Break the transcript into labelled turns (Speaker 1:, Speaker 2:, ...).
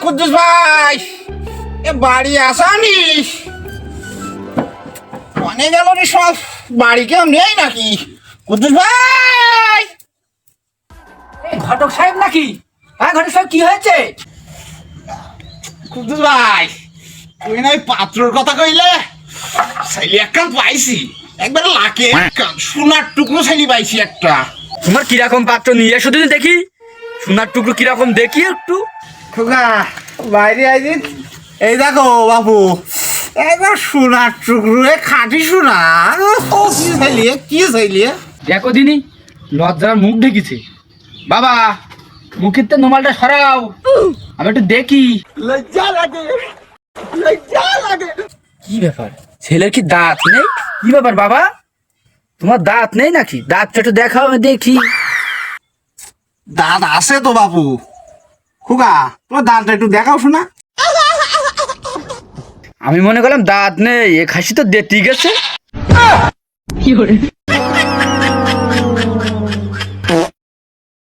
Speaker 1: কুদ্দুস ভাই, এ বাড়ি আসানিস? অনেক গেল রে, সব বাড়ি কেউ নেই নাকি? কুদ্দুস ভাই,
Speaker 2: ঘটক সাহেব নাকি? হ্যাঁ ঘটক সাহেব, কি হয়েছে?
Speaker 1: কুদ্দুস ভাই, তুই না ওই পাত্রর কথা কইলে? ছেলে একখান পাইছি, একবার লাকে সোনার টুকরো ছেলে পাইছি একটা।
Speaker 2: তোমার কিরকম পাত্র নিয়ে এসো দিদি দেখি, সোনার টুকরো কিরকম দেখি একটু।
Speaker 1: খোকা বাইরে আইছি, এই দেখো বাবু, একবার সোনার টুকরো, খাঁটি সোনা। কি ছেলে, কি ছেলে?
Speaker 2: দেখো দিনি, লজ্জার মুখ ঢেকেছে। বাবা, মুখের তো নোমালটা সরাও, আমি একটু দেখি।
Speaker 1: লজ্জা লাগে, লজ্জা লাগে।
Speaker 2: কি ব্যাপার, ছেলের কি দাঁত নেই? কি ব্যাপার বাবা, তোমার দাঁত নেই নাকি? দাঁতটা একটু দেখাও, আমি দেখি।
Speaker 1: দাঁত আছে তো বাবু। খোকা, তোমার দাঁতটা একটু দেখাও শোনা।
Speaker 2: আমি মনে করলাম দাঁত নেই, এ খাসি তো দেতি গেছে।